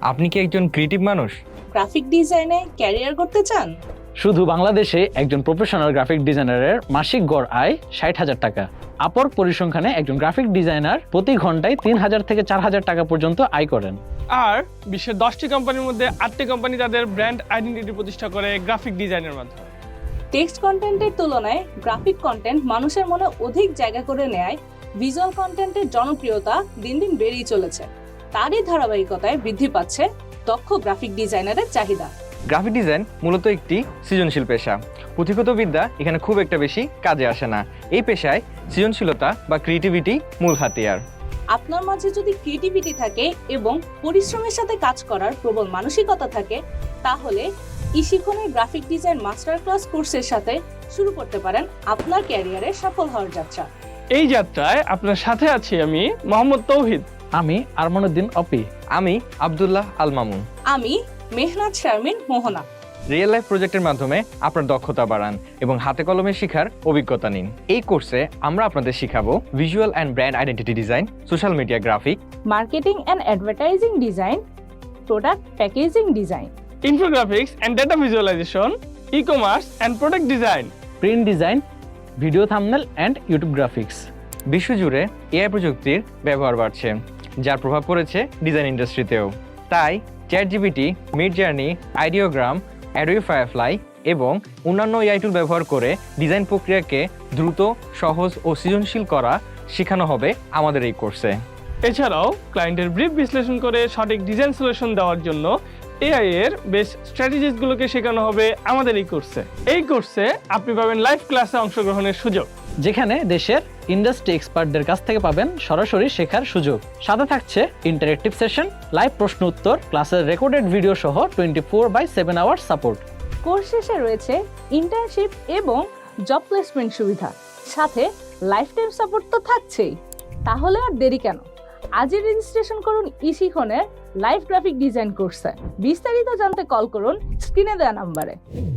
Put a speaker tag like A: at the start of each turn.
A: আপনি কি একজন ক্রিয়েটিভ মানুষ?
B: গ্রাফিক ডিজাইনে ক্যারিয়ার করতে চান?
C: শুধু বাংলাদেশে একজন প্রফেশনাল গ্রাফিক ডিজাইনারের মাসিক গড় আয় ৬০,০০০ টাকা। আপর পরিসংখ্যানে একজন গ্রাফিক ডিজাইনার প্রতি ঘন্টায় ৩,০০০ থেকে ৪,০০০ টাকা পর্যন্ত আয় করেন।
D: আর বিশ্বের 10টি কোম্পানির মধ্যে 8টি কোম্পানি তাদের ব্র্যান্ড আইডেন্টিটি প্রতিষ্ঠা করে গ্রাফিক ডিজাইনের মাধ্যমে।
B: টেক্সট কন্টেন্টের তুলনায় গ্রাফিক কন্টেন্ট মানুষের মনে অধিক জায়গা করে নেয়। ভিজুয়াল কন্টেন্টের জনপ্রিয়তা দিন দিন বেড়েই চলেছে। তারই ধারাবাহিকতায় বৃদ্ধি পাচ্ছে দক্ষ গ্রাফিক ডিজাইনারের চাহিদা।
A: গ্রাফিক ডিজাইন মূলত একটি সৃজনশীল পেশা। পুঁথিগত বিদ্যা এখানে খুব একটা বেশি কাজে আসে না। এই পেশায় সৃজনশীলতা বা ক্রিয়েটিভিটি মূল হাতিয়ার।
B: আপনার মাঝে যদি ক্রিয়েটিভিটি থাকে এবং পরিশ্রমের সাথে কাজ করার প্রবল মানসিকতা থাকে, তাহলে ইশিখনের গ্রাফিক ডিজাইন মাস্টার ক্লাস কোর্সের সাথে শুরু করতে পারেন আপনার ক্যারিয়ারে সফল হওয়ার যাত্রা।
D: এই যাত্রায় আপনার সাথে আছি আমি মোহাম্মদ তৌহিদ।
C: আমি আরমানুদ্দিন অপি।
A: আমি আব্দুল্লাহ আল মামুন।
B: আমি মেহনাত শারমিন মোহনা।
A: রিয়েল লাইফ প্রজেক্টের মাধ্যমে আপনার দক্ষতা বাড়ান এবং হাতে কলমে শেখার অভিজ্ঞতা নিন। এই কোর্সে আমরা আপনাদের শিখাবো visual and brand identity design, social media graphic,
B: marketing and advertising design, product packaging design,
D: infographics and data visualisation, e commerce and product design,
C: print design, video thumbnail and YouTube graphics.
A: বিশ্বজুড়ে AI প্রযুক্তির ব্যবহার বাড়ছে, যার প্রভাব পড়েছে design ইন্ডাস্ট্রিতেও। তাই ChatGPT, Midjourney, Ideogram, Adobe Firefly এবং অন্যান্য এআই টুল ব্যবহার করে ডিজাইন প্রক্রিয়াকে দ্রুত, সহজ ও সৃজনশীল করা শেখানো হবে আমাদের এই কোর্সে।
D: এছাড়াও ক্লায়েন্টের ব্রিফ বিশ্লেষণ করে সঠিক ডিজাইন সলিউশন দেওয়ার জন্য এআই এর বেস্ট স্ট্র্যাটেজিসগুলোকে শেখানো হবে আমাদের এই কোর্সে। এই কোর্সে আপনি পাবেন লাইভ ক্লাসে অংশগ্রহণের সুযোগ,
C: যেখানে দেশের ইন্ডাস্ট্রি এক্সপার্টদের কাছ থেকে পাবেন সরাসরি শেখার সুযোগ। সাথে থাকছে ইন্টারেক্টিভ সেশন, লাইভ প্রশ্ন উত্তর, ক্লাসের রেকর্ডেড ভিডিও সহ 24/7 আওয়ার সাপোর্ট।
B: কোর্স শেষে রয়েছে ইন্টার্নশিপ এবং জব প্লেসমেন্ট সুবিধা, সাথে লাইফ টাইম সাপোর্ট তো থাকছেই। তাহলে আর দেরি কেন? আজই রেজিস্ট্রেশন করুন ইশিখনের লাইভ গ্রাফিক ডিজাইন কোর্সে। বিস্তারিত জানতে কল করুন স্ক্রিনে দেওয়া নাম্বারে।